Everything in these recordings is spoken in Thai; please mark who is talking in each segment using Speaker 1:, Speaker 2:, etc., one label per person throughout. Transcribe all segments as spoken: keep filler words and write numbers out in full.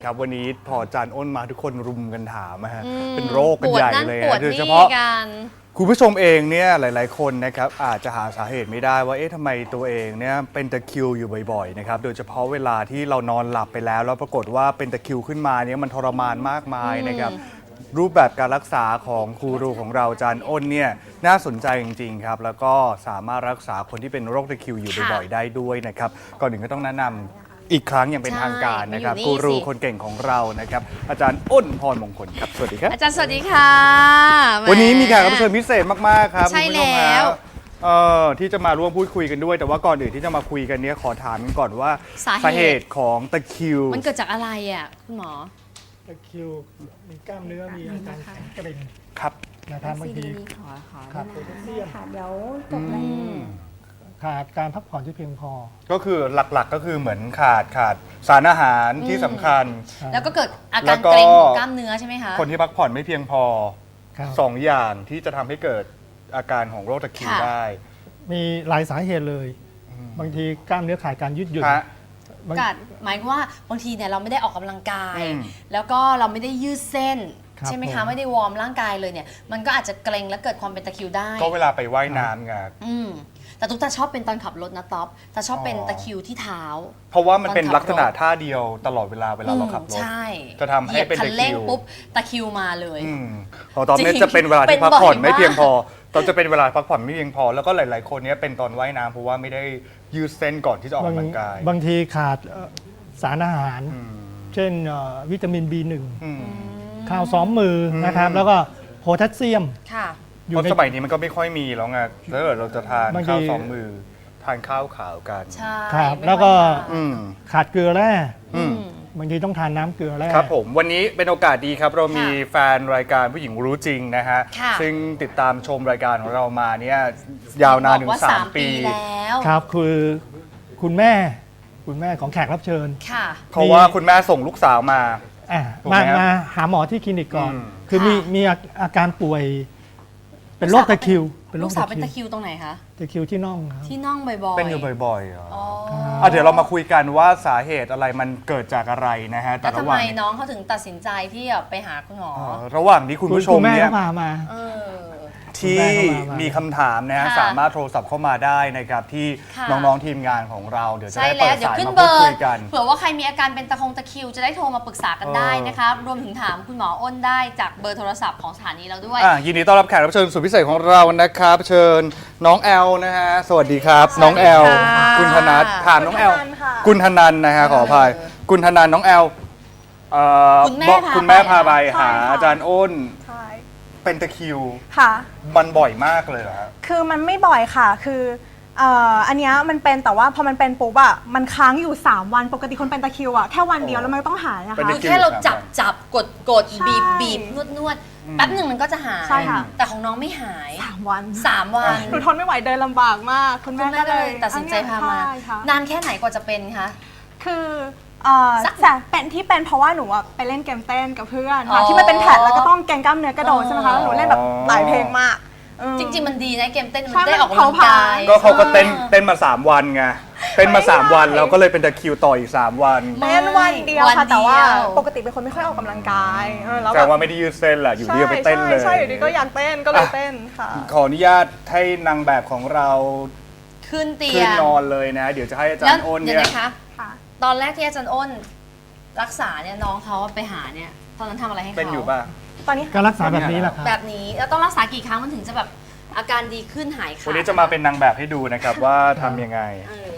Speaker 1: ครับวันนี้พออาจารย์อ้นมาทุกคนรุมกันถามนะฮะ
Speaker 2: อืม
Speaker 1: เป็นโรคกันใหญ่เลย
Speaker 2: ปวด
Speaker 1: โดย
Speaker 2: นี่
Speaker 1: เฉพาะ
Speaker 2: กัน
Speaker 1: คุณผู้ชมเองเนี่ยหลาย ๆ คนนะครับอาจจะหาสาเหตุไม่ได้ว่าเอ๊ะทำไมตัวเองเนี่ยเป็นตะคริวอยู่บ่อย ๆ นะครับโดยเฉพาะเวลาที่เรานอนหลับไปแล้วแล้วปรากฏว่าเป็นตะคริวขึ้นมาเนี่ยมันทรมานมากมายนะครับรูปแบบการรักษาของครูรูของเราอาจารย์อ้นเนี่ยน่าสนใจจริง ๆ ครับแล้วก็สามารถรักษาคนที่เป็นโรคตะคริวอยู่บ่อย ๆ ได้ด้วยนะครับก่อนอื่นก็ต้องแนะนำอีกครั้งอย่างเป็นทางการนะครับกูรูคนเก่งของเรานะครับอาจารย์อ้นพรมงคลครับสวัสดีครับ
Speaker 2: อาจารย์สวัสดีค่ะแห
Speaker 1: วันนี้มีแขกรับเชิญพิเศษมากๆครับ
Speaker 2: ใช่
Speaker 1: คุณผู้ชม
Speaker 2: แล้ว
Speaker 1: ฮะเอ่อที่จะมาร่วมพูดคุยกันด้วย แต่ว่าก่อนอื่นที่จะมาคุยกันเนี้ยขอถามกันก่อนว่า
Speaker 2: สาเหตุ
Speaker 1: ตุของตะคริว
Speaker 2: มันเกิดจากอะไรอ่ะคุณหมอ
Speaker 3: ตะคริวมีกล้ามเนื้อมีอาการแข็งเกร็ง
Speaker 1: ครับ
Speaker 3: นะครับบางที
Speaker 2: ขอขอ
Speaker 3: ขาดโพแทสเซียม
Speaker 4: ค่ะเดี๋ยวจบ
Speaker 1: อื
Speaker 4: เลย
Speaker 1: ม
Speaker 3: ขาดการพักผ่อนที่เพียงพอ
Speaker 1: ก็คือหลักๆก็คือเหมือนขาดขาดสารอาหารที่สำคัญ
Speaker 2: แล้วก็เกิดอา
Speaker 1: แล้
Speaker 2: การ
Speaker 1: วก็
Speaker 2: เกร็งของกล้ามเนื้อใช่ไหมคะ
Speaker 1: คนที่พักผ่อนไม่เพียงพอ
Speaker 3: ครับ
Speaker 1: สองอย่างที่จะทำให้เกิดอาการของโรคตะคริว
Speaker 2: ค่ะ
Speaker 1: ได้
Speaker 3: มีหลายสาเหตุเลย บางทีกล้ามเนื้อขาดการยืดหยุ่น
Speaker 1: ฮะ
Speaker 3: บาง
Speaker 2: กัดหมายความว่าบางทีเนี่ยเราไม่ได้ออกกำลังกาย
Speaker 1: อืม
Speaker 2: แล้วก็เราไม่ได้ยืดเส้น
Speaker 3: ครับ
Speaker 2: ใช่ไหมคะ
Speaker 3: ผม
Speaker 2: ไม่ได้วอร์มร่างกายเลยเนี่ยมันก็อาจจะเกร็งและเกิดความเป็นตะคริวได้
Speaker 1: ก็เวลาไปว่ายน้ำไง
Speaker 2: อืมแต่ตุ๊กตาชอบเป็นตอนขับรถนะท็อปแต่ชอบเป็น
Speaker 1: อ๋อ
Speaker 2: ตะคริวที่เท้า
Speaker 1: เพราะว่ามันเป็น
Speaker 2: ตอนขับ
Speaker 1: ลักษณะท่าเดียวตลอดเวลาเวลาเราขับร
Speaker 2: อืม
Speaker 1: ถ
Speaker 2: ใช่
Speaker 1: จะทำให้เป็น
Speaker 2: หยียบคั
Speaker 1: ตะคริว
Speaker 2: เร่งปุ๊บตะคริวมาเลย
Speaker 1: อืมของตอนนี้
Speaker 2: จริง
Speaker 1: จะเป็นเวลา
Speaker 2: เป็
Speaker 1: ที่
Speaker 2: น
Speaker 1: พักผ่อน
Speaker 2: บ่อยมาก
Speaker 1: ไม่เพียงพอ ตอนจะเป็นเวลาพักผ่อนไม่เพียงพอ แล้วก็หลาย ๆ คนเนี้ยเป็นตอนว่ายน้ำเพราะว่าไม่ได้ยืดเส้นก่อนที่จะออก
Speaker 3: บาง
Speaker 1: กำลังกาย
Speaker 3: บางทีขาดเอ่อสารอาหาร
Speaker 1: อืม
Speaker 3: เช่นเอ่อวิตามิน บี หนึ่ง
Speaker 1: อืม
Speaker 3: ข้าวซ้อมมืออ
Speaker 1: ม
Speaker 3: นะครับ แล้วก็โพแทสเซียม
Speaker 2: ค่ะ
Speaker 3: อ
Speaker 1: เพ
Speaker 3: ยู่
Speaker 1: ราะ
Speaker 3: ใน
Speaker 1: สมัยนี้มันก็ไม่ค่อยมีแล้วไงแล้วเดี๋ยวเราจะทาน
Speaker 3: บางที
Speaker 1: ข้าวสองมือ ทานข้าวขาวกัน
Speaker 2: ใช่
Speaker 3: ครับ
Speaker 2: ไม่
Speaker 3: แล้วก็
Speaker 2: ค่อยมา
Speaker 1: อืม
Speaker 3: ขาดเกลือแร่
Speaker 1: อืม
Speaker 3: บางทีต้องทานน้ำเกลือแร่
Speaker 1: ครับผมวันนี้เป็นโอกาสดีครับ เรามี
Speaker 2: ค่ะ
Speaker 1: แฟนรายการผู้หญิงรู้จริงนะฮะ
Speaker 2: ค่ะ
Speaker 1: ซึ่งติดตามชมรายการของเรามาเนี่ยยาวนานถึ
Speaker 2: บ
Speaker 1: ง
Speaker 2: อกว่า
Speaker 1: สามปี
Speaker 2: แล้ว
Speaker 3: ครับคือคุณแม่ คุณแม่ของแขกรับเชิญ
Speaker 2: ค่ะ
Speaker 1: เพราะว่าคุณแม่ส่งลูกสาวมา
Speaker 3: อ่ะ
Speaker 1: ถูกไหม
Speaker 3: มา
Speaker 1: ครับ
Speaker 3: มาหาหมอที่คลินิกก่อน
Speaker 1: อืม
Speaker 3: คือมี
Speaker 2: ค่ะ
Speaker 3: มีอาอาการป่วย เป็นโรคตะคริว เป็นโร
Speaker 2: ลู
Speaker 3: ค
Speaker 2: กสาว
Speaker 3: ตะ
Speaker 2: เป็น
Speaker 3: คริ
Speaker 2: ตะ
Speaker 3: ว
Speaker 2: คริวตรงไหนคะ
Speaker 3: ตะคริวที่น่องครับ
Speaker 2: ที่น่องบ่อยๆ
Speaker 1: เป็นอยู่บ่อยๆเหรอ
Speaker 2: อ๋อ
Speaker 1: อ่ะเดี๋ยวเรามาคุยกันว่าสาเหตุอะไรมันเกิดจากอะไรนะฮะแต่
Speaker 2: แล้ว
Speaker 1: ระ
Speaker 2: ทำ
Speaker 1: หว่า
Speaker 2: ไม
Speaker 1: ง
Speaker 2: น้องเขาถึงตัดสินใจที่จะไปหาคุณหมอ
Speaker 1: เอ่อระหว่างที่คุณผู้ชม
Speaker 3: ณแม่
Speaker 1: เนี่ย
Speaker 3: ก็พามา
Speaker 2: เออ
Speaker 1: ที่
Speaker 3: คุณแม่เข้ามามี
Speaker 1: มีคำถามนะฮะ
Speaker 2: ค่ะ
Speaker 1: สามารถโทรศัพท์เข้ามาได้นะครับที่
Speaker 2: ค่ะ
Speaker 1: น้องๆทีมงานของเราเดี๋ยวจะ
Speaker 2: ใช่
Speaker 1: ได้
Speaker 2: แล้
Speaker 1: เปิ
Speaker 2: ว
Speaker 1: ด
Speaker 2: เดี๋ยว
Speaker 1: สาย
Speaker 2: ขึ้น
Speaker 1: มา
Speaker 2: เบ
Speaker 1: พูด
Speaker 2: อ
Speaker 1: คุ
Speaker 2: ร์
Speaker 1: ยกัน
Speaker 2: เผื่อว่าใครมีอาการเป็นตะคงตะคริวจะได้โทรมาปรึกษากันได้
Speaker 1: เออ
Speaker 2: นะคะรวมถึงถามคุณหมออ้นได้จากเบอร์โทรศัพท์ของสถานีเราด้วย
Speaker 1: อ่ะยินดีต้อนรับแขกรับเชิญสุดพิเศษของเรานะครับ เชิญน้องแอลนะฮะสวัสดีครับ น้องแอล
Speaker 2: ค่ะ
Speaker 1: คุณธนัทถามน้องแอล
Speaker 4: คุณธนันค่ะ
Speaker 1: คุณธนันนะฮะขออภัยคุณธนันน้องแอลเอ่อ
Speaker 2: คุณแม่
Speaker 1: บอก
Speaker 2: พา
Speaker 1: คุณแม่
Speaker 2: ไป
Speaker 1: พาไป
Speaker 4: ใช่
Speaker 1: หา
Speaker 4: ค่ะ
Speaker 1: อาจารย์อ้น
Speaker 4: ใช่
Speaker 1: เป็นตะคริว
Speaker 4: ค่ะ
Speaker 1: มันบ่อยมากเลยเหรอฮะ
Speaker 4: คือมันไม่บ่อยค่ะ คือเอ่ออันเนี้ยมันเป็นแต่ว่าพอมันเป็นปุ๊บอะมันค้างอยู่ สาม วัน ปกติคนเป็นตะคริวอะแค่วันเดียวแล้วมันก็ต้องหายนะ
Speaker 1: เป็น
Speaker 4: คะ
Speaker 1: ตะ
Speaker 2: คือแค่เราจับจับกดกด
Speaker 4: ใช่
Speaker 2: บีบบีบนวดนวดแป๊บหนึ่งมันก็จะหาย
Speaker 4: ใช่ค่ะ
Speaker 2: แต่ของน้องไม่หาย
Speaker 4: สาม วัน
Speaker 2: สามวัน
Speaker 4: หนูทนไม่ไหวเดินลำบากมาก คุณ
Speaker 2: คุ
Speaker 4: แม่
Speaker 2: ณแม่
Speaker 4: ก็
Speaker 2: ก็
Speaker 4: เล
Speaker 2: เลย ยตัดสินใจพามา
Speaker 4: ใช่ค่ะ
Speaker 2: นานแค่ไหนกว่าจะเป็นคะ
Speaker 4: คือเอ่อ
Speaker 2: สัก
Speaker 4: แต่เป็นที่เป็นเพราะว่าหนูอะไปเล่นเกมเต้นกับเพื่อน
Speaker 2: อ๋
Speaker 4: ค่ะ
Speaker 2: อ
Speaker 4: ที่มันเป็นแผ่นแล้วก็ต้องแกงกล้ามเนื้อกระโดด
Speaker 2: อ๋อ
Speaker 4: ใช่ไหมคะแล้วหนูเล่นแบบหลายเพลงมากเออ
Speaker 2: จริง ๆ มันดีนะเกมเต้นมัน
Speaker 4: ใช่
Speaker 2: ได้ออก
Speaker 4: มัน
Speaker 2: กำลังกาย
Speaker 4: เผาผลาญ
Speaker 1: ก็เขาก็เต้น
Speaker 2: ออ
Speaker 1: เต้นมาสามวันไงเต้นมาสามวันแล้วก็เลยเป็นตะคริวต่ออีกสามวัน
Speaker 4: เต้นวันเดียว
Speaker 2: วัน
Speaker 4: ค่ะ
Speaker 2: เดียว
Speaker 4: แต่ว่าปกติเป็นคนไม่ค่อยออกกำลังกายเออแล้ว
Speaker 1: แต่
Speaker 4: แบบ
Speaker 1: ว่าไม่ได้ยืดเส้นแหละอยู่ดีก็ไปเต้นเลย
Speaker 4: ใช่ใช่อยู่ดีก็อยากเต้นก็เลยเต้นค่ะ
Speaker 1: ขออนุญาตให้นางแบบของเรา
Speaker 2: ขึ้นเตีย
Speaker 1: ขึ้น
Speaker 2: ง
Speaker 1: นอนเลยนะ เดี๋ยวจะให้อาจาร
Speaker 2: แล้ว
Speaker 1: ย์อ้น
Speaker 2: เดี๋
Speaker 1: เนี่ย
Speaker 2: วย นะคะ
Speaker 4: ค่ะ
Speaker 2: ตอนแรกที่อาจารย์อ้น รักษาเนี่ยน้องเขาไปหาเนี่ยตอนนั้นทำอะไรให้เขา
Speaker 1: เป็นอยู่ป่ะ
Speaker 4: ตอนนี้
Speaker 3: การรักษาแบบนี้แหละครับ
Speaker 2: แบบนี้แล้วต้องรักษากี่ครั้งมันถึงจะแบบอาการดีขึ้นหายขาด
Speaker 1: วันนี้จะมาเป็นนางแบบให้ดูนะครับว่าทำยังไง
Speaker 2: เออน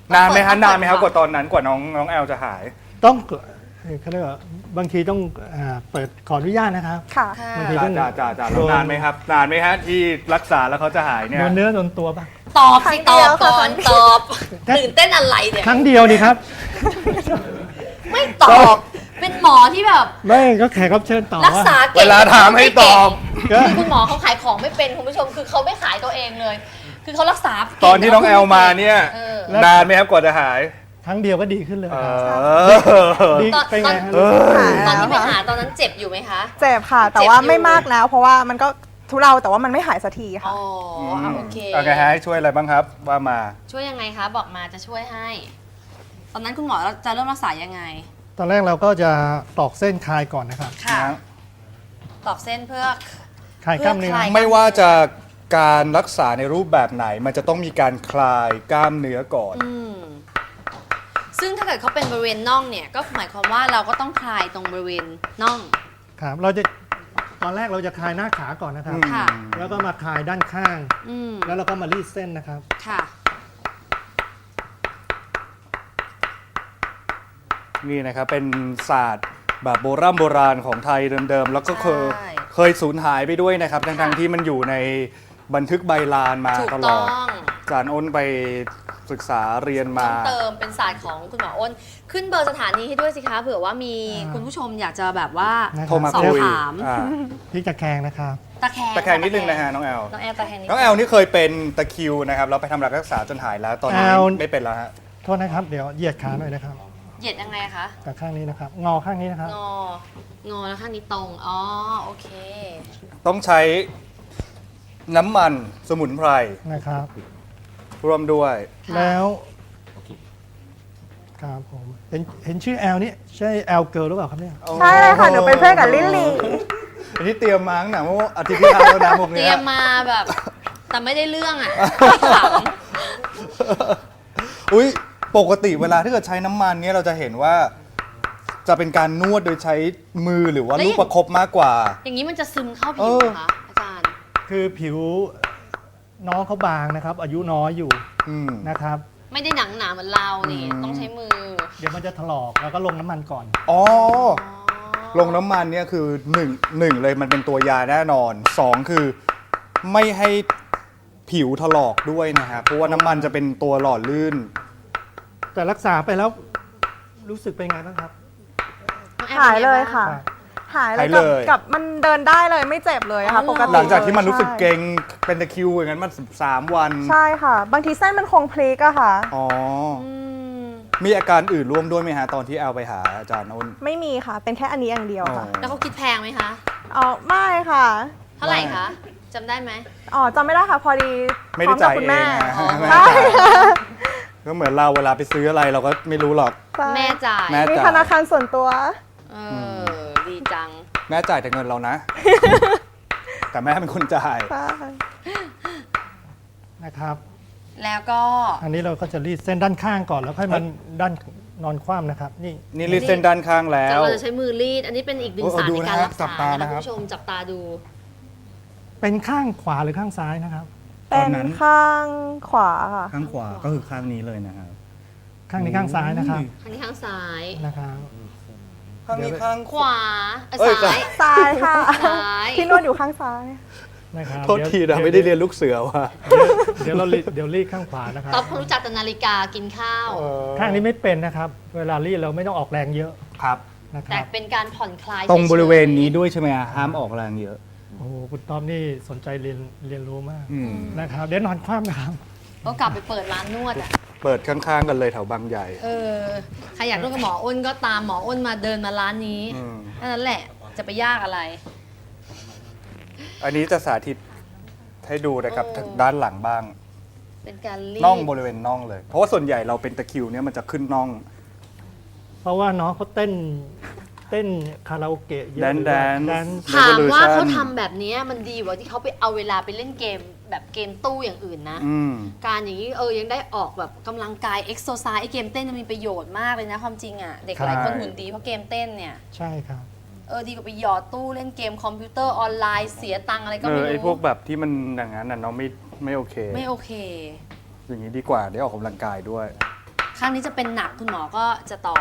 Speaker 1: านไหมฮะ
Speaker 2: ต้องเปิด
Speaker 1: นานไหมครับ
Speaker 2: ต้อง
Speaker 1: ก
Speaker 2: เปิด
Speaker 1: ว่าตอนนั้นกว่าน้องน้องแอลจะหาย
Speaker 3: ต้องเอ่อเขาเรียกว่าบางทีต้องอ่าเปิดขออนุญาตนะครับ
Speaker 4: ค่ะ
Speaker 2: ค่ะ
Speaker 3: บางที
Speaker 1: จ่าจ่าจ่าจ่าแล้วนานไหมครับ นานไหมฮะที่รักษาแล้วเขาจะหายเนี่ย
Speaker 3: โดนเนื้อโดนตัวบ้าง
Speaker 2: ตอบ
Speaker 4: ครั้
Speaker 2: สิ
Speaker 4: ง
Speaker 2: ต
Speaker 4: เดี
Speaker 2: อ
Speaker 4: ยว
Speaker 2: บก่อน
Speaker 4: ค่ะ
Speaker 2: ตอบตื่นเต้นอะไรเนี่ย
Speaker 3: ครั้งเดียวดีครับ
Speaker 2: ไม่ตอบ เป็นหมอที่แบบ
Speaker 3: ไม่ก็แขกรับเชิญต่อ
Speaker 2: รักษา
Speaker 1: เว
Speaker 2: เก่ง
Speaker 1: ลาถามให้ตอบ
Speaker 3: ก็
Speaker 2: คุณหมอเขาขายของไม่เป็นคุณผู้ชมคือเขาไม่ขายตัวเองเลย คือเขารักษาเก่ง
Speaker 1: ตอนที่น้องแอลมาเนี่ย
Speaker 2: เออ
Speaker 1: นานไหมครับกว่าจะหาย
Speaker 3: ครั้งเดียวก็ดีขึ้นเลย
Speaker 1: เอ
Speaker 3: ครับ
Speaker 1: อ
Speaker 3: ดี
Speaker 2: ตอน
Speaker 3: เป็นไงฮะ
Speaker 1: เออ
Speaker 2: ตอนที่ไปหาตอนนั้นเจ็บอยู่ไหมคะ
Speaker 4: เจ็บค่ะ แต่
Speaker 2: เจ็บ
Speaker 4: ว่า
Speaker 2: อยู่
Speaker 4: ไม่มากแล้ว เพราะว่ามันก็ทุเลาแต่ว่ามันไม่หายสักทีค่ะ
Speaker 2: อ๋ออ่ะโอเค
Speaker 1: โอเคฮะให้ช่วยอะไรบ้างครับว่ามา
Speaker 2: ช่วยยังไงคะ บอกมาจะช่วยให้ ตอนนั้นคุณหมอจะเริ่มรักษายังไง
Speaker 3: ตอนแรกเราก็จะตอกเส้นคลายก่อนนะครับ
Speaker 2: ค่ะ
Speaker 1: นะ
Speaker 2: ตอกเส้นเพื่อ
Speaker 3: คลายกล้ามเนื้อ
Speaker 2: เพื่อคลาย
Speaker 1: ไม่ว่าจะการรักษาในรูปแบบไหน มันจะต้องมีการคลายกล้ามเนื้อก่อน
Speaker 2: อืมซึ่งถ้าเกิดเขาเป็นบริเวณน่องเนี่ยก็หมายความว่าเราก็ต้องคลายตรงบริเวณน่อง
Speaker 3: ครับเราจะตอนแรกเราจะคลายหน้าขาก่อนนะครับ
Speaker 2: ค่ะ
Speaker 3: แล้วก็มาคลายด้านข้าง
Speaker 2: อืม
Speaker 3: แล้วเราก็มารีดเส้นนะครับ
Speaker 2: ค่ะ
Speaker 1: นี่นะครับเป็นศาสตร์แบบโบราณโบราณของไทยเดิมๆ แล้วก็เคย
Speaker 2: ใช่
Speaker 1: เคยสูญหายไปด้วยนะครับ ทั้งๆที่มันอยู่ในบันทึกใบลานมา
Speaker 2: ถูก
Speaker 1: ตล
Speaker 2: ต้
Speaker 1: อ
Speaker 2: อ
Speaker 1: ด
Speaker 2: ง
Speaker 1: อาจารย์อ้นไปศึกษาเรียนมา
Speaker 2: ต้องเติมเป็นศาสตร์ของคุณหมออ้น ขึ้นเบอร์สถานีให้ด้วยสิคะเผื่อว่ามี
Speaker 3: อ่า
Speaker 2: คุณผู้ชมอยากจะแบบว่า
Speaker 3: นะครับ
Speaker 1: โทรมา
Speaker 2: สอบ
Speaker 1: คุย
Speaker 2: ถาม
Speaker 1: อ่า
Speaker 3: พลิกตะแคงนะครับ
Speaker 2: ตะแคง
Speaker 1: ตะแคงนิดนึงนะฮะน้องแอล
Speaker 2: น้องแอลตะแคงนิด
Speaker 1: น้องแอลนี่เคยเป็นตะคริวนะครับแล้วไปทำรักษาจนหายแล้วตอนนี้
Speaker 3: แอล
Speaker 1: ไม่เป็นแล้วฮะ
Speaker 3: โทษนะครับ เดี๋ยวเหยียดขาหน่อยนะครับ
Speaker 2: เหยียดยังไงคะ
Speaker 3: กับข้างนี้นะครับ งอข้างนี้นะครับ
Speaker 2: งองอแล้วข้างนี้ตรงอ๋อโอเค
Speaker 1: ต้องใช้น้ำมันสมุนไพร
Speaker 3: นะครับ
Speaker 1: ร่วมด้วย
Speaker 2: ค่ะ
Speaker 3: แล้วครับผม เห็นเห็นชื่อแอลนี่ใช่แอลเกิร์ลหรือเปล่าครับเนี่ย
Speaker 4: ใช่เลยค่ะ หนูเป็นเพื่อนกับลิลลี่
Speaker 1: อันนี้เตรียมมาตั้งแต่เมื่ออาทิตย์ที่แล้วแล้วนะพวก
Speaker 2: เตรี
Speaker 1: เนี้
Speaker 2: ย
Speaker 1: ย
Speaker 2: มมาแบบ แต่ไม่ได้เรื่องอ่ะขำ
Speaker 1: อุ้ยปกติเวลาที่เกิดใช้น้ำมันเนี่ยเราจะเห็นว่า จะเป็นการนวดโดยใช้มือหรือว่าลูกประคบมากกว่า
Speaker 2: อย่างนี้มันจะซึมเข้าผิว
Speaker 1: เออ
Speaker 2: เหรอคะอาจารย์
Speaker 3: คือผิวน้องเขาบางนะครับ อายุน้อยอยู่
Speaker 1: อืม
Speaker 3: นะครับ
Speaker 2: ไม่ได้หนังหนาเหมือนเรานี่
Speaker 1: อืม
Speaker 2: ต้องใช้มือ
Speaker 3: เดี๋ยวมันจะถลอกแล้วก็ลงน้ำมันก่อน
Speaker 1: อ๋อ
Speaker 2: อ๋อ
Speaker 1: ลงน้ำมันเนี่ยคือหนึ่งหนึ่งเลยมันเป็นตัวยาแน่นอนสองคือไม่ให้ผิวถลอกด้วยนะครับเพราะว่าน้ำมันจะเป็นตัวหล่อลื่น
Speaker 3: แต่รักษาไปแล้วรู้สึกเป็นไงบ้างครับ
Speaker 2: น้องแอม
Speaker 4: หายเลยค่ะ
Speaker 3: ครับ
Speaker 4: หายเล
Speaker 1: หาย
Speaker 4: ย
Speaker 1: เล
Speaker 4: กับ
Speaker 1: ย
Speaker 4: กับมันเดินได้เลยไม่เจ็บเลยค่ะ ปกติ
Speaker 1: หลังจากที่มันรู้สึกเก
Speaker 4: ใช่
Speaker 1: ร็งเป็นตะคริวอย่างนั้นมันสามวัน
Speaker 4: ใช่ค่ะ บางทีเส้นมันคงพลิกอะค่ะ
Speaker 1: อ๋อ
Speaker 2: อืม
Speaker 1: มีอาการอื่นร่วมด้วยไหมฮะ ตอนที่แอลไปหาอาจารย์อ้น
Speaker 4: ไม่มีค่ะ เป็นแค่อันนี้อย่างเดียวค่ะ
Speaker 1: อ๋อ
Speaker 2: แล้วเขาคิดแพงไหมคะ
Speaker 4: อ๋อไม่ค่ะ
Speaker 2: เท่าไหร่คะจำได้ไหม
Speaker 4: อ๋อจำไม่ได้ค่ะ พอดี
Speaker 1: ไม่
Speaker 4: พร้
Speaker 1: ได้
Speaker 4: อมกับ
Speaker 1: จ่าย
Speaker 4: คุณ
Speaker 1: เอ
Speaker 4: แม่
Speaker 1: งนะ
Speaker 2: อ๋อ
Speaker 1: แม่
Speaker 4: ใช่
Speaker 1: จ่ายก็เหมือนเราเวลาไปซื้ออะไรเราก็ไม่รู้หรอก
Speaker 4: ใช่
Speaker 2: แม่จ่าย
Speaker 1: แม่
Speaker 4: มีธนาคารส่วนตัว
Speaker 2: เออดีจัง
Speaker 1: แม่จ่ายแต่เงินเรานะ แต่แม่เป็นคนจ่าย
Speaker 4: ใช่
Speaker 3: นะครับ
Speaker 2: แล้วก็
Speaker 3: อันนี้เราก็จะรีดเส้นด้านข้างก่อนแล้วค่อยมันด้านนอนคว่ำนะครับ นี่
Speaker 1: นี่รีดเส้นด้านข้างแล้
Speaker 2: จะ
Speaker 1: ว
Speaker 2: เราจะใช้มือรีด อันนี้เป็นอีกหนึ่ง
Speaker 1: โอ้
Speaker 2: ศาสตร์
Speaker 1: ดู
Speaker 2: ใน
Speaker 1: นะ
Speaker 2: การ
Speaker 1: ฮะ
Speaker 2: รัก
Speaker 1: จั
Speaker 2: ษา
Speaker 1: บตา
Speaker 2: นะ
Speaker 1: นะค
Speaker 2: คุ
Speaker 1: รับ
Speaker 2: ณผู้ชมจับตาดู
Speaker 3: เป็นข้างขวาหรือข้างซ้ายนะครับ
Speaker 4: เป็นข้างขวาค่ะ
Speaker 1: ข้างขวาก็คือข้างนี้เลยนะครับ
Speaker 3: ข้างนี้ข้างซ้ายนะครับ
Speaker 2: อันนี้ข้างซ้าย
Speaker 3: นะครับ
Speaker 1: ข้างนี้ข้าง
Speaker 2: ขวาเอ่อ
Speaker 1: เอ้ย
Speaker 2: ซ้าย
Speaker 4: ซ้ายค่ะ
Speaker 2: ซ้าย
Speaker 4: ที่นวดอยู่ข้างซ้าย
Speaker 3: นะครับ
Speaker 1: โทษทีนะไม่ได้เรียนลูกเสือว่ะ
Speaker 3: เดี๋ยวเรารีดเดี๋ยวรีดข้างขวานะครับ
Speaker 2: ต๊อบเขารู้จักแต่นาฬิกากินข้าว
Speaker 3: ข้างนี้ไม่เป็นนะครับ เวลารีดเราไม่ต้องออกแรงเยอะ
Speaker 1: ครับ
Speaker 3: นะค
Speaker 2: แต่
Speaker 3: รับ
Speaker 2: เป็นการผ่อนคลาย
Speaker 1: ตรง
Speaker 2: ฉยๆ
Speaker 1: บริเวณนี้ด้วยใช่ไหมฮะห้ามออกแรงเยอะ
Speaker 3: โอ้โหคุณต้อมนี่สนใจเรียนเรียนรู้มาก
Speaker 1: อืม
Speaker 3: นะครับ เดี๋ยวนอนคว่ำนะครับ
Speaker 2: ก็กลับไปเปิดร้านนวดอ่ะ
Speaker 1: เปิดข้างๆกันเลยแถวบางใหญ่
Speaker 2: เออ ใครอยากนวดกับหมออ้นก็ตามหมออ้นมาเดินมาร้านนี้
Speaker 1: อืม
Speaker 2: แค่นั้นแหละ จะไปยากอะไร
Speaker 1: อันนี้จะสาธิตให้ดูนะครับ
Speaker 2: เออ
Speaker 1: ทางด้านหลังบ้าง
Speaker 2: เป็นการรีด
Speaker 1: น่องบริเวณน่องเลย เพราะว่าส่วนใหญ่เราเป็นตะคริวเนี่ยมันจะขึ้นน่อง
Speaker 3: เพราะว่าน้องเขาเต้นเต้นคาราโอเกะเยอะ
Speaker 1: แดนแดน
Speaker 3: แดน
Speaker 2: ถามว่า
Speaker 1: Revolution
Speaker 2: เขาทำแบบนี้มันดีกว่าที่เขาไปเอาเวลาไปเล่นเกมแบบเกมตู้อย่างอื่นนะ
Speaker 1: อืม
Speaker 2: การอย่างนี้เออยังได้ออกแบบกำลังกายเอ็กโซไซส์ไอเกมเต้นมันมีประโยชน์มากเลยนะความจริงอ่ะ เด็กหลายคน
Speaker 1: ใช่
Speaker 2: หุ่นดีเพราะเกมเต้นเนี่ย
Speaker 3: ใช่ครับ
Speaker 2: เออดีกว่าไปหยอดตู้เล่นเกมคอมพิวเตอร์ออนไลน์เสียตังค์อะไรก็
Speaker 1: เอ
Speaker 2: ไม่
Speaker 1: อ
Speaker 2: รู้
Speaker 1: ไอพวกแบบที่มันอย่างนั้นน่ะน้องไม่ไม่โอเค
Speaker 2: ไม่โอเค
Speaker 1: อย่างนี้ดีกว่าได้ออกกำลังกายด้วย
Speaker 2: ข้างนี้จะเป็นหนักคุณหมอก็จะตอบ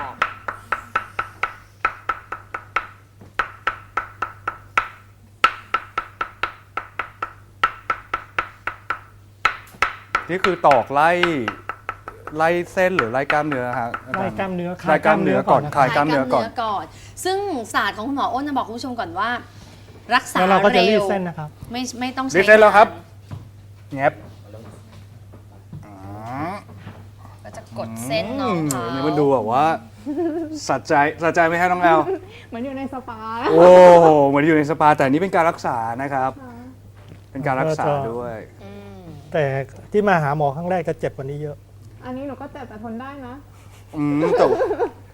Speaker 1: นี่คือตอกไล่ไล่เส้นหรือไล่กล้ามเนื้อฮะ
Speaker 3: ไล่กล้ามเนื้อ
Speaker 1: ไล่กล้ามเนื้อก่อน
Speaker 3: นะ
Speaker 1: คลายกล้ามเนื้อก่อน
Speaker 2: คลายก่อน ซึ่งศาสตร์ของคุณหมออ้นจะบอกคุณผู้ชมก่อนว่า รักษา
Speaker 3: แล้วเราก็จะรี
Speaker 2: เร็
Speaker 3: ด
Speaker 2: ว
Speaker 3: เส้นนะครับ
Speaker 2: ไม่ไม่ต้องใช้
Speaker 1: รีดเส้นแล้วครับ แงบอ๋อ
Speaker 2: ก็จะกดเส้นน้องเขา
Speaker 1: นี่มันดูแบบว่าสัใจสัใจไหมฮะน้องแอล
Speaker 4: เหมือนอยู่ในสปา
Speaker 1: โอ้โหเหมือนอยู่ในสปาแต่อันนี้เป็นการรักษานะครับ เป็นการรักษาด้วย
Speaker 2: อืม
Speaker 3: แต่ที่มาหาหมอครั้งแรกจะเจ็บกว่านี้เยอะ
Speaker 4: อันนี้หนูก็เจ็บแต่ทนได้นะ
Speaker 1: อืมแต่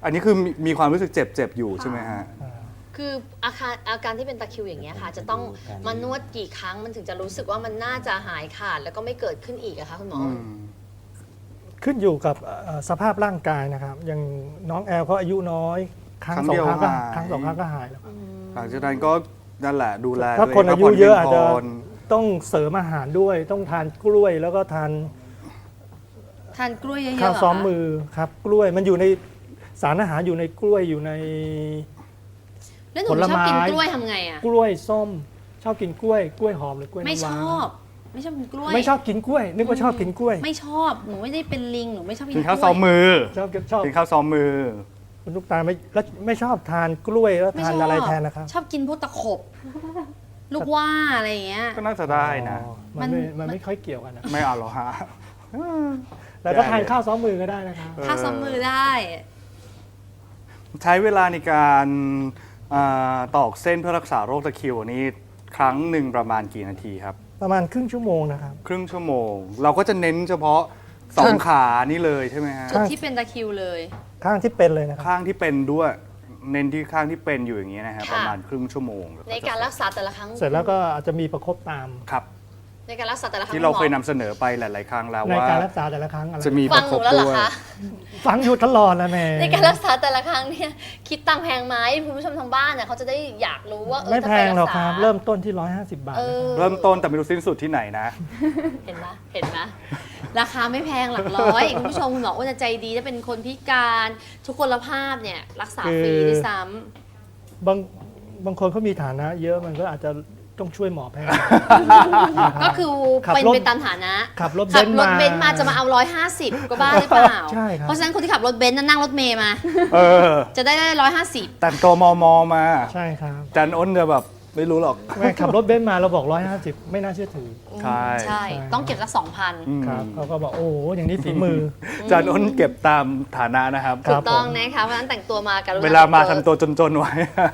Speaker 1: อันนี้คือมีมีความรู้สึกเจ็บๆอยู่ใช่ไหมฮะ
Speaker 2: คืออาการอาการที่เป็นตะคริวอย่างเงี้ยค่ะ จะต้องมานวดกี่ครั้งมันถึงจะรู้สึกว่ามันน่าจะหายขาดแล้วก็ไม่เกิดขึ้นอีกอะคะคุณหมอ
Speaker 3: ขึ้นอยู่กับเอ่อสภาพร่างกายนะครับ อย่างน้องแอลเขาอายุน้อย ครั้ง
Speaker 1: ครั้ง
Speaker 3: สอ
Speaker 1: เดี
Speaker 3: ง
Speaker 1: ยว
Speaker 3: ครั้งก็
Speaker 1: หาย
Speaker 3: ครั้งสองครั้งก็หายแล้ว
Speaker 1: หลังจากนั้นก็นั่นแหละดูแล
Speaker 3: ถ้า
Speaker 1: ตัว
Speaker 3: คน
Speaker 1: ง
Speaker 3: อายุ
Speaker 1: พักผ่
Speaker 3: เยอะ
Speaker 1: พี
Speaker 3: อาจ
Speaker 1: ง
Speaker 3: จะ
Speaker 1: พ
Speaker 3: ต้องเสริมอาหารด้วย ต้องทานกล้วยแล้วก็ทาน
Speaker 2: ทานกล้วยเยอะๆ
Speaker 3: ข้าว
Speaker 2: เหร
Speaker 3: ซ้อม
Speaker 2: คะ
Speaker 3: มือครับ กล้วยมันอยู่ในสารอาหารอยู่ในกล้วยอยู่ใน
Speaker 2: แล้วหนู
Speaker 3: ผล
Speaker 2: ชอบ
Speaker 3: ไม้
Speaker 2: กินกล้วยทำไงอะ
Speaker 3: กล้วยส้ม ชอบกินกล้วย กล้วยหอมหรือกล้วย
Speaker 2: ไม่
Speaker 3: น้ำ
Speaker 2: ช
Speaker 3: ว้า
Speaker 2: อบ ไม่ชอบกินกล้วย
Speaker 3: ไม่ชอบกินกล้วย นึกว่าชอบกินกล้วย
Speaker 2: ไม่ชอบหนูไม่ได้เป็นลิงหนูไม่ชอบกิน
Speaker 1: กินข้าว
Speaker 2: กล้
Speaker 1: ซ้อมมือ
Speaker 3: ชอบชอบ
Speaker 1: กินข้าวซ้อมมือ
Speaker 3: คุณลูกตาลไม่แล้วไม่ชอบทานกล้วยแล้ว
Speaker 2: ไม่
Speaker 3: ทาน
Speaker 2: ชอบ
Speaker 3: อะไรแทนนะครับ
Speaker 2: ชอบกินพวกตะขบ ลูกว่าอะไรอย่างเงี้ย
Speaker 1: ก็น่าจะได้นะ
Speaker 3: อ๋อมันไม่
Speaker 2: มัน
Speaker 3: มันไม่ค่อยเกี่ยวกันนะ
Speaker 1: ไม่เอาหรอกฮะ
Speaker 3: แล้วก็ทานข้าวซ้อมมือก็ได้นะครับ
Speaker 2: ข้าวซ้อมมือได้
Speaker 1: ใช้เวลาในการอ่าตอกเส้นเพื่อรักษาโรคตะคริวนี่ครั้งหนึ่งประมาณกี่นาทีครับ
Speaker 3: ประมาณครึ่งชั่วโมงนะครับ
Speaker 1: ครึ่งชั่วโมง เราก็จะเน้นเฉพาะสองขานี่เลยใช่ไหมฮะ
Speaker 2: จุดที่เป็นตะคริวเลย
Speaker 3: ข้างที่เป็นเลยนะครับ
Speaker 1: ข้างที่เป็นด้วย เน้นที่ข้างที่เป็นอยู่อย่างนี้ยนะฮะ
Speaker 2: ค่ะ
Speaker 1: ประมาณครึ่งชั่วโมง
Speaker 2: ในการรักษาแต่ละครั้ง
Speaker 3: เสร็จแล้วก็อาจจะมีประคบตาม
Speaker 1: ครับ
Speaker 2: ในการรักษาแต่ละครั้ง
Speaker 1: ที่เรา
Speaker 2: ณหมอ
Speaker 1: เคยนำเสนอไปหลาย ๆ ครั้งแล้ว
Speaker 3: ใน
Speaker 1: ว่า
Speaker 3: การรักษาแต่ละครั้งอะไร
Speaker 1: จะมีป
Speaker 2: ฟั
Speaker 1: ระ
Speaker 2: ง
Speaker 1: ค
Speaker 2: หนู
Speaker 1: บ
Speaker 2: แล้วเหร
Speaker 1: ด้
Speaker 2: อ
Speaker 1: วย
Speaker 2: คะ
Speaker 3: ฟังอยู่ตลอดแล้วแม่
Speaker 2: ในการรักษาแต่ละครั้งเนี่ยคิดตังค์แพงไหมคุณผู้ชมทางบ้านเนี่ยเขาจะได้อยากรู้ว่าเออ
Speaker 3: ไม่
Speaker 2: ถ้า
Speaker 3: แพ
Speaker 2: ไป
Speaker 3: งหรอก
Speaker 2: ษา
Speaker 3: ครับ เริ่มต้นที่ หนึ่งร้อยห้าสิบบาท
Speaker 2: เอ
Speaker 3: นะค
Speaker 2: อ
Speaker 3: รับ
Speaker 1: เริ่มต้นแต่ไม่รู้สิ้นสุดที่ไหนนะ
Speaker 2: เห็นไหมเห็นไหมราคาไม่แพงหลักร้อย คุณผู้ชมคุณหมออ้วนจะใจดีถ้าเป็นคนพิการทุกคนภาพเนี่ยรักษาฟรีด้วยซ้ำ
Speaker 3: บางบางคนเขามีฐานะ เยอะมันก็อาจจะต้องช่วยหมอแพง
Speaker 2: ก็คือ
Speaker 3: ขับ
Speaker 2: เป็น
Speaker 3: รถ
Speaker 2: ไปตามฐานะ
Speaker 3: ขับรถ
Speaker 2: ขับ
Speaker 3: เบนซ์
Speaker 2: รถ
Speaker 3: มา
Speaker 2: เบนซ์มาจะมาเอาร้อยห้าสิบก็บ้าหรือเปล่า
Speaker 3: ใช่ครับ
Speaker 2: เพราะฉะนั้นคนที่ขับรถเบนซ์นั่นนั่งรถเมย์มา
Speaker 1: เออ
Speaker 2: จะได้ได้ร้อยห้าสิบ
Speaker 1: แต่งตัวมอมอมา
Speaker 3: ใช่ครับ
Speaker 1: จันอ้นจะแบบไม่รู้หรอก
Speaker 3: แม่ขับรถเบนซ์มาเราบอกหนึ่งร้อยห้าสิบไม่น่าเชื่อถือ
Speaker 1: ใช่
Speaker 2: ใช่ ต้องเก็บสักสองพัน
Speaker 1: อืม
Speaker 3: ครับเขาก็บอกโอ้โหอย่างนี้ฝีมือ
Speaker 1: จันอ้นเก็บตามฐานะนะครับ
Speaker 3: ค
Speaker 2: ถู
Speaker 3: รั
Speaker 2: ก
Speaker 3: บ
Speaker 2: ต้อง
Speaker 3: ผม
Speaker 2: นะคะเพราะฉะนั้นแต่งตัวมากับ
Speaker 1: เวลามาทำตัวจน ๆ ไว้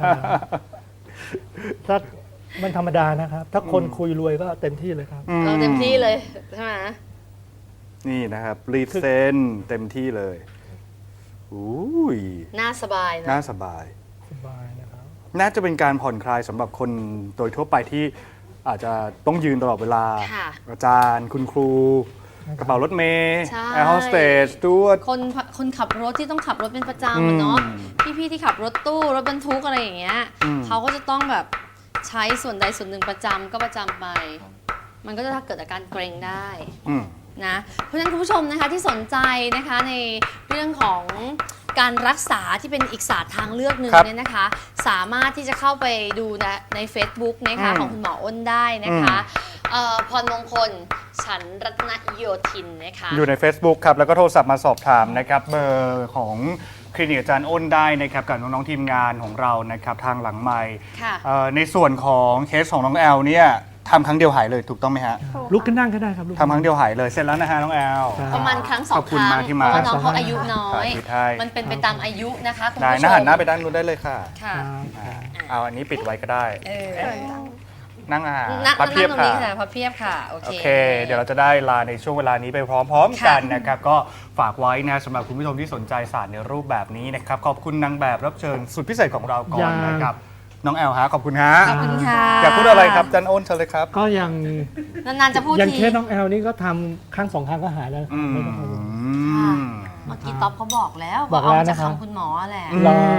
Speaker 3: ถ้ามันธรรมดานะครับ ถ้าคนคุยรวยก็เต็มที่เลยครับ
Speaker 2: เราเต็มที่เลยใช่ไหม
Speaker 1: นี่นะครับรีดเส้นเต็มที่เลยอุ้ย
Speaker 2: น่าสบาย
Speaker 1: น่า
Speaker 2: นะ
Speaker 1: สบาย
Speaker 3: สบายนะครับ
Speaker 1: น่าจะเป็นการผ่อนคลายสำหรับคนโดยทั่วไปที่อาจจะต้องยืนตลอดเวลา
Speaker 2: ค่ะ
Speaker 1: อาจารย์ คุณครู กระเป๋ารถเมย์
Speaker 2: ใช่
Speaker 1: แอร์โฮสเตสด้วย
Speaker 2: คนคนขับรถที่ต้องขับรถเป็นประจำอะเนาะ
Speaker 1: อืม
Speaker 2: พี่ๆที่ขับรถตู้รถบรรทุกอะไรอย่างเงี้ย
Speaker 1: อืม
Speaker 2: เขาก็จะต้องแบบใช้ส่วนใดส่วนหนึ่งประจำก็ประจำไป มันก็จะเกิดอาการเกร็งได้
Speaker 1: อืม
Speaker 2: นะเพราะฉะนั้นคุณผู้ชมนะคะที่สนใจนะคะในเรื่องของการรักษาที่เป็นอีกศาสตร์ทางเลือกหนึ่ง
Speaker 1: ครับ
Speaker 2: เนี่ยนะคะ สามารถที่จะเข้าไปดูนะใน Facebook นะคะ
Speaker 1: อืม
Speaker 2: ของคุณหมออ้นได้นะคะเอ่อพรมงคลฉันรัตนโยธินนะคะ
Speaker 1: อยู่ใน Facebook ครับ แล้วก็โทรศัพท์มาสอบถามนะครับ เบอร์ของคลินิกอาจารย์อ้นได้นะครับกับน้องๆทีมงานของเรานะครับทางหลังไมค์
Speaker 2: ค่ะ
Speaker 1: เอ่อในส่วนของเคสของน้องแอลเนี่ยทำครั้งเดียวหายเลยถูกต้องไหมฮะ
Speaker 3: ลุกขึ้นนั่งก็ได้ครับลุก
Speaker 1: ทำครั้งเดียวหายเลยเสร็จแล้วนะฮะน้องแอล
Speaker 3: ครับ
Speaker 2: ประมาณครั้งสอ
Speaker 1: ของ บ
Speaker 2: ค
Speaker 1: คุณ
Speaker 2: รั้ง
Speaker 1: มากที่
Speaker 2: เพ
Speaker 1: มา
Speaker 2: ราะว่าน้องเขาอายุน้อย
Speaker 1: ถ่ายคลิปให้
Speaker 2: มันเป็นไปตามอายุนะคะคุณ
Speaker 1: ได้
Speaker 2: ผู้ช
Speaker 1: นะ
Speaker 2: ม
Speaker 1: หันหน้าไปด้านนู้นได้เลยค่ะ
Speaker 2: ค่ะ
Speaker 3: ครับ
Speaker 1: เอาอันนี้ปิดไว้ก็ได้
Speaker 2: เออ
Speaker 1: นั่งอ่า
Speaker 2: นั่ง
Speaker 1: พับ
Speaker 2: นั่
Speaker 1: เพีย
Speaker 2: ง
Speaker 1: บ
Speaker 2: ตรง
Speaker 1: ค่ะ
Speaker 2: นี้ค่ะพับเพียบค่ะโอ
Speaker 1: โอ
Speaker 2: เค
Speaker 1: เค เดี๋ยวเราจะได้ลาในช่วงเวลานี้ไปพร้อม ๆ
Speaker 2: ค่ะ
Speaker 1: กันนะครับ ก็ฝากไว้นะสำหรับคุณผู้ชมที่สนใจศาสตร์ในรูปแบบนี้นะครับ ขอบคุณนางแบบรับเชิญสุดพิเศษของเราก่อนนะครับ น้องแอลฮะขอบคุณฮะ
Speaker 2: ขอบคุณค่ะ
Speaker 1: อยากพูดอะไรครับจันโอนเชิญเลยครับ
Speaker 3: ก็ยัง
Speaker 2: นานๆจะพูด
Speaker 3: อย่าง
Speaker 2: ที
Speaker 3: เคสน้องแอลนี่ก็ทำครั้งสองครั้งก็หายแล้ว
Speaker 1: อืม
Speaker 3: ไม่ต้องกังวล
Speaker 2: เมื่อกี้ต๊อบเขาบอกแล้ว
Speaker 3: บอก
Speaker 2: เอา
Speaker 3: แล้ว
Speaker 2: มาจาก
Speaker 3: นะครับ
Speaker 2: คำคุณหมอแหละ
Speaker 3: รอ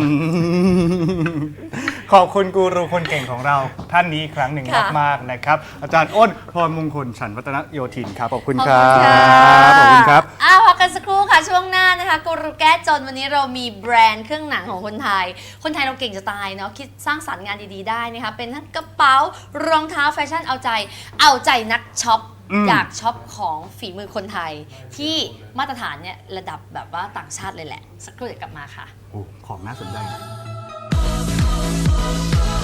Speaker 1: ขอบคุณกูรูคนเก่งของเราท่านนี้อีกครั้งหนึ่ง
Speaker 2: ค่ะ
Speaker 1: มากๆนะครับ อาจารย์อ้นพรมงคลฉันวัฒนโยธินครับขอบคุณ
Speaker 2: ขอบ
Speaker 1: ค
Speaker 2: คุ
Speaker 1: รั
Speaker 2: ณค่ะ
Speaker 1: บขอบคุณครับ
Speaker 2: อ้าวพักกันสักครู่ค่ะช่วงหน้านะคะกูรูแก้จนวันนี้เรามีแบรนด์เครื่องหนังของคนไทย คนไทยเราเก่งจะตายเนาะคิดสร้างสรรค์งานดีๆได้นะคะเป็นทั้งกระเป๋ารองเท้าแฟชั่นเอาใจ เอาใจนักช็อป
Speaker 1: อืม
Speaker 2: อยากช็อปของฝีมือคนไทย ที่มาตรฐานเนี่ยระดับแบบว่าต่างชาติเลยแหละ สักครู่เดี๋ยวกลับมาค่ะ
Speaker 1: โอ้ของน่าสนใจนะ